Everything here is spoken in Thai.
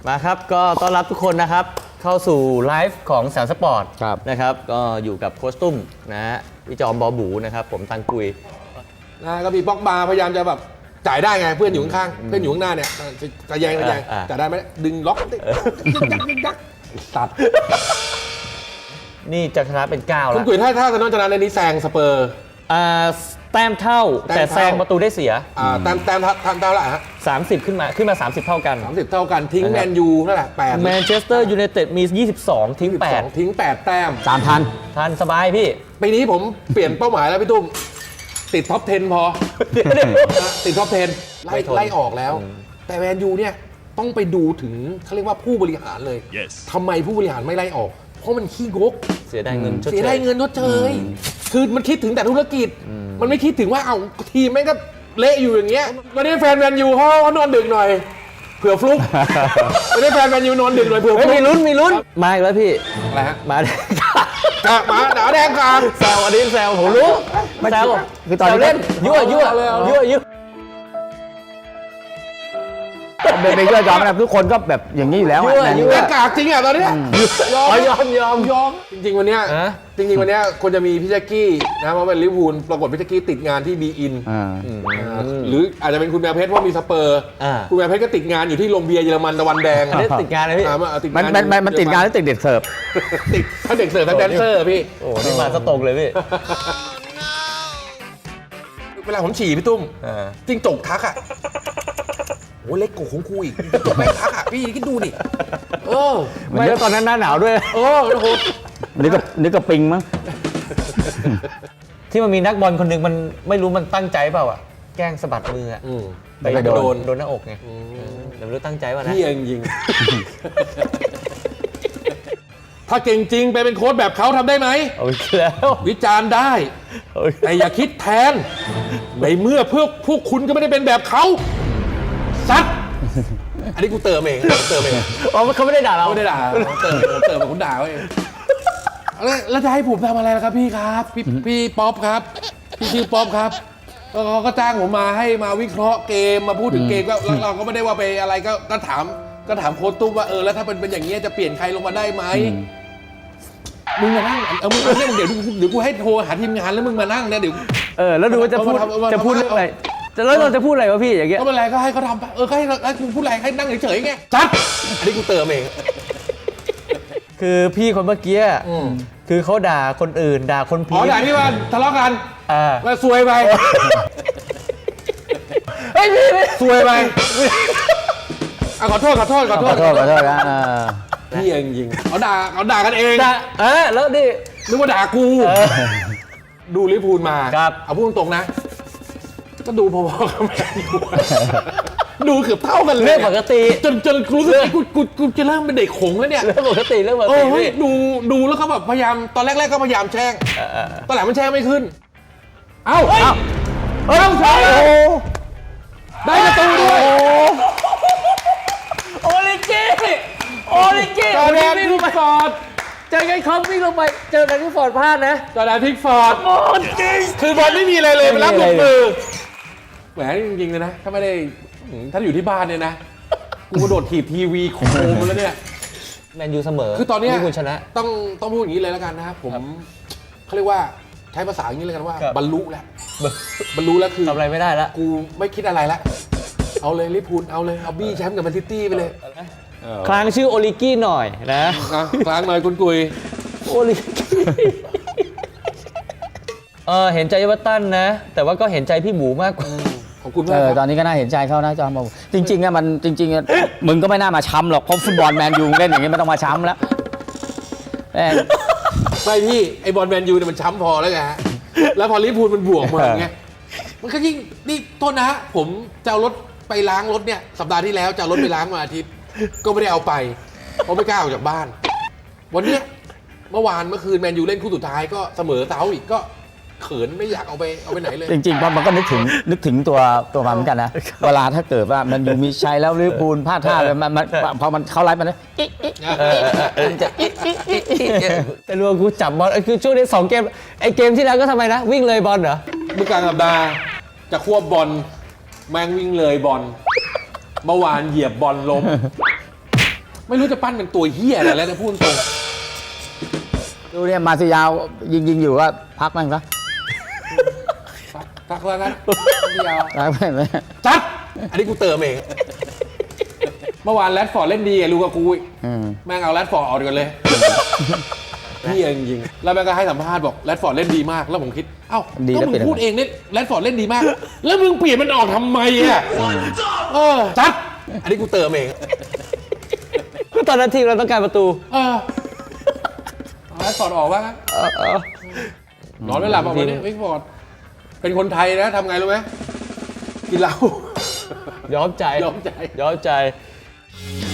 มาครับก็ต้อนรับทุกคนนะครับเข้าสู่ไลฟ์ของแสนสปอร์ตนะครับก็อยู่กับโค้ชตุ้มนะฮะพี่จอมบอบูนะครับผมตังกุยก็มีบ็อกบาร์พยายามจะแบบจ่ายได้ไงเพื่อนอยู่ข้างๆเพื่อนอยู่ข้างหน้าเนี่ยจะแยงจ่ายได้ไหมดึงล็อกยักตัดนี่จะชนะเป็น9แล้วคุณกุยถ้าจะน้องชนะในนี้แซงสเปอร์แต้มเท่าแต่แซงประตูได้เสียแต้มเท่าไหร่ฮะ 30ขึ้นมา30เท่ากัน 30เท่ากันทิ้งแมนยูเท่าไหร่8 แมนเชสเตอร์ยูไนเต็ดมี22ทิ้ง 8แต้ม 3,000ทันสบายพี่ปีนี้ผมเปลี่ยนเป้าหมายแล้วพี่ตุ้มติดท็อป 10 พอติดท็อป 10 ไล่ออกแล้วแต่แมนยูเนี่ยต้องไปดูถึงเขาเรียกว่าผู้บริหารเลยทำไมผู้บริหารไม่ไล่ออกเพราะมันขี้งกเสียดายเงินชดเชยคือมันคิดถึงแต่ธุรกิจมันไม่คิดถึงว่าเอาทีมแม่งก็เละอยู่อย่างเงี้ยวันนี้แฟนแมนยูเขานอนดึกหน่อยเผื่อฟลุกวันนี้แฟนแมนยูนอนดึกหน่อยเผื่อฟลุกมีลุ้นมาอีกแล้วพี่อะไรฮะมาแดงแดงกลางแซวอันนี้แซวผมรู้แซวคือตอนเล่นยั่วเป็นยอมนะทุกคนก็แบบอย่างนี้อยู่แล้วแดงกากจริงอ่ะตอนนี้ยอมจริงวันเนี้ยควรจะมีพี่แจ็คกี้นะเพราะเป็นลิเวอร์พูลปรากฏพี่แจ็คกี้ติดงานที่บีอินหรืออาจจะเป็นคุณแมวเพชรเพราะมีสเปอร์คุณแมวเพชรก็ติดงานอยู่ที่โรงเบียร์เยอรมันตะวันแดงติดงานเลยพี่มันติดงานหรือติดเด็กเสิร์ฟติดทั้งเด็กเสิร์ฟทั้งแดนเซอร์พี่โอ้นี่มาสตกเลยพี่เวลาผมฉี่พี่ตุ้มจริงจกทักอ่ะโอ้เล็กกว่าของกูอีกจกแม่ทักอ่ะพี่คิดดูดิไม่แล้วตอนนั้นหน้าหนาวด้วยโอ้โหนึกกับปิงมั้งที่มันมีนักบอลคนหนึ่งมันไม่รู้มันตั้งใจเปล่าอ่ะแกล้งสะบัดมืออ่ะไปโดนหน้าอกไงแต่ไม่รู้ตั้งใจว่านะพี่ยิงถ้าเก่งจริงไปเป็นโค้ชแบบเขาทำได้ไหมเอาอีกแล้ววิจารณ์ได้แต่อย่าคิดแทนในเมื่อพวกคุณก็ไม่ได้เป็นแบบเขาซัดอันนี้กูเติมเองอ๋อเขาไม่ได้ด่าเราไม่ได้ด่าเติมคุณด่าเองแล้วจะให้ผมทำอะไรล่ะครับพี่ครับพี่ป๊อปครับพี่ชื่อป๊อปครับเขาก็จ้างผมมาให้มาวิเคราะห์เกมมาพูดถึงเกมก็เราก็ไม่ได้ว่าไปอะไรก็ถามโค้ชตุ้มว่าแล้วถ้าเป็นอย่างนี้จะเปลี่ยนใครลงมาได้ไหมมึงมานั่งมึงเดี๋ยวกูให้โทรหาทีมงานแล้วมึงมานั่งนะเดี๋ยวแล้วดูว่าจะพูดเรื่องอะไรแล้วเราจะพูดอะไรวะพี่อย่างเงี้ยก็เป็นไรก็ให้เขาทำก็ให้คุณพูดอะไรให้นั่งเฉยๆไงจัดอันนี้กูเติมเองคือพี่คนเมื่อกี้คือเขาด่าคนอื่นด่าคนผิดด่าที่ว่าทะเลาะกันมาซวยไปเฮ้ยพี่ซวยไปขอโทษนะพี่ยิงเขาด่ากันเองแล้วดินึกว่าด่ากูดูลิเวอร์พูลมาเอาพูดตรงๆนะก็ดูพอๆกับแมนยูดูเกือบเท่ากันเลยเรื่องปกติจนรู้สึกกูจะเริ่มเป็นเด็กขงแล้วเนี่ยเรื่องปกติดูแล้วเขาแบบพยายามตอนแรกก็พยายามแช่งตอนหลังมันแช่งไม่ขึ้นเอ้าใช่ได้ประตูด้วยโอลิกี้จอแดนพิกฟอร์ดเจอไงครับวิ่งลงไปเจอแดนพิกฟอร์ดพลาดนะจอแดนพิกฟอร์ดคือบอลไม่มีอะไรเลยไปรับลงมือแหมจริงๆเลยนะถ้าไม่ได้ถ้าอยู่ที่บ้านเนี่ยนะกูกระโดดถีบทีวีโคมแล้วเนี่ยแมนยูเสมอคือตอนนี้คุณชนะต้องพูดอย่างนี้เลยแล้วกันนะครับผมเขาเรียกว่าใช้ภาษาอย่างนี้เลยกันว่าบรรลุแล้วคือทำอะไรไม่ได้แล้วกูไม่คิดอะไรแล้วเอาเลยลิเวอร์พูลเอาเลยเอาบี้แชมป์กับแมนซิตี้ไปเลยคลางชื่อโอลิกี้หน่อยนะคลางหน่อยคุณกุยโอลิกี้เห็นใจเอเวอร์ตันนะแต่ว่าก็เห็นใจพี่หมูมากกว่าขอบคุณมากตอนนี้ก็น่าเห็นใจเขานะจอมบอกจริงๆมันจริงๆมึงก็ไม่น่ามาช้ำหรอกเพราะฟุตบอลแมนยูเล่นอย่างนี้ไม่ต้องมาช้ำแล้วไม่พี่ไอบอลแมนยูเนี่ยมันช้ำพอแล้วไงแล้วพอลิเวอร์พูลมันบวกมาอย่างเงี้ยมันก็ยิ่งนี่โทษนะผมจะเอารถไปล้างรถเนี่ยสัปดาห์ที่แล้วจะเอารถไปล้างมาอาทิตย์ก็ไม่ได้เอาไปเพราะไม่กล้าออกจากบ้านวันนี้เมื่อคืนแมนยูเล่นคู่สุดท้ายก็เสมอเซาอีกก็เขินไม่อยากเอาไปไหนเลยจริงๆมันก็นึกถึงตัวมันเหมือนกันนะเวลาถ้าเกิดว่ามันอยู่มีชัยแล้วลิเวอร์พูลพลาดท่าเลยมันพอมันเข้าไลฟ์มันแต่รวมกูจับบอลคือช่วงนี้2เกมไอเกมที่แล้วก็ทำไมนะวิ่งเลยบอลเหรอเมื่อกลางสัปดาห์จะควบบอลแม่งวิ่งเลยบอลเมื่อวานเหยียบบอลล้มไม่รู้จะปั้นเป็นตัวเฮียอะไรแล้วจะพูดตรงดูเนี่ยมาซิยาวยิงอยู่ก็พักแม่งซะทักแล้วกันเดียวพักแม่งเลยจัดอันนี้กูเติมเอง เมื่อวานแรดฟอร์ดเล่นดีกับลูกากูอีก แม่งเอาแรดฟอร์ดออกกันเลยพี่จริงๆแล้วแม่งก็ให้สัมภาษณ์บอกแรดฟอร์ดเล่นดีมากแล้วผมคิดเอ้าก็มึงพูดเองเนี่ยแรดฟอร์ดเล่นดีมาก แล้วมึงเปลี่ยนมันออกทำไมอ่ะจัดอันนี้กูเติมเองก็ตอนนั้นทีมเราต้องการประตูเอาแรดฟอร์ดออกว่างั้นนอนไม่หลับออกมาเนี่ยแรดฟอร์ดเป็นคนไทยนะทำไงรู้ไหมกินเหล้ายอมใจยอมใจยอมใจ